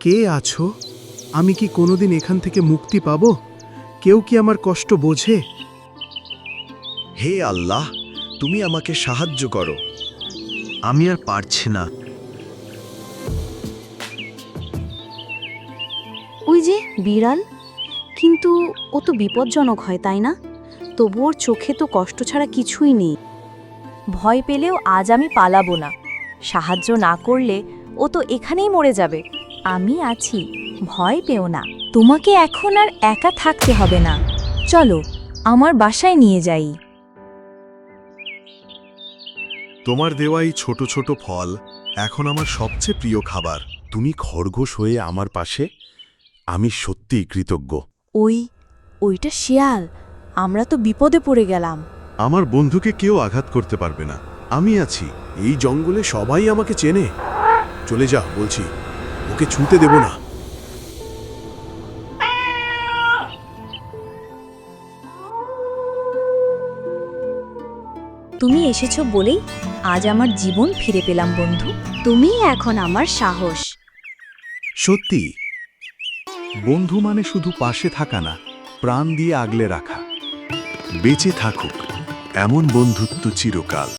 কে আছো? আমি কি কোনোদিন এখান থেকে মুক্তি পাব? কেউ কি আমার কষ্ট বোঝে? হে আল্লাহ, তুমি আমাকে সাহায্য করো। আমি আর পারছি না। ওই যে বিড়াল, কিন্তু ও তো বিপজ্জনক হয়, তাই না? তবু ওর চোখে তো কষ্ট ছাড়া কিছুই নেই। ভয় পেলেও আজ আমি পালাবো না। সাহায্য না করলে ও তো এখানেই মরে যাবে। আমি আছি, ভয় পেও না। তোমাকে এখন আর একা থাকতে হবে না। চলো, আমার বাসায় নিয়ে যাই। তোমার দেওয়া এই ছোট ছোট ফল এখন আমার সবচেয়ে প্রিয় খাবার। তুমি খরগোশ হয়ে আমার পাশে, আমি সত্যিই কৃতজ্ঞ। ওইটা শিয়াল। আমরা তো বিপদে পড়ে গেলাম। আমার বন্ধুকে কেউ আঘাত করতে পারবে না, আমি আছি। এই জঙ্গলে সবাই আমাকে চেনে। চলে যা বলছি, ওকে ছুঁতে দেব না। তুমি এসেছো বলেই আজ আমার জীবন ফিরে পেলাম বন্ধু। তুমি এখন আমার সাহস। সত্যি, বন্ধু মানে শুধু পাশে থাকা না, প্রাণ দিয়ে আগলে রাখা। বেঁচে থাকুক এমন বন্ধুত্ব চিরকাল।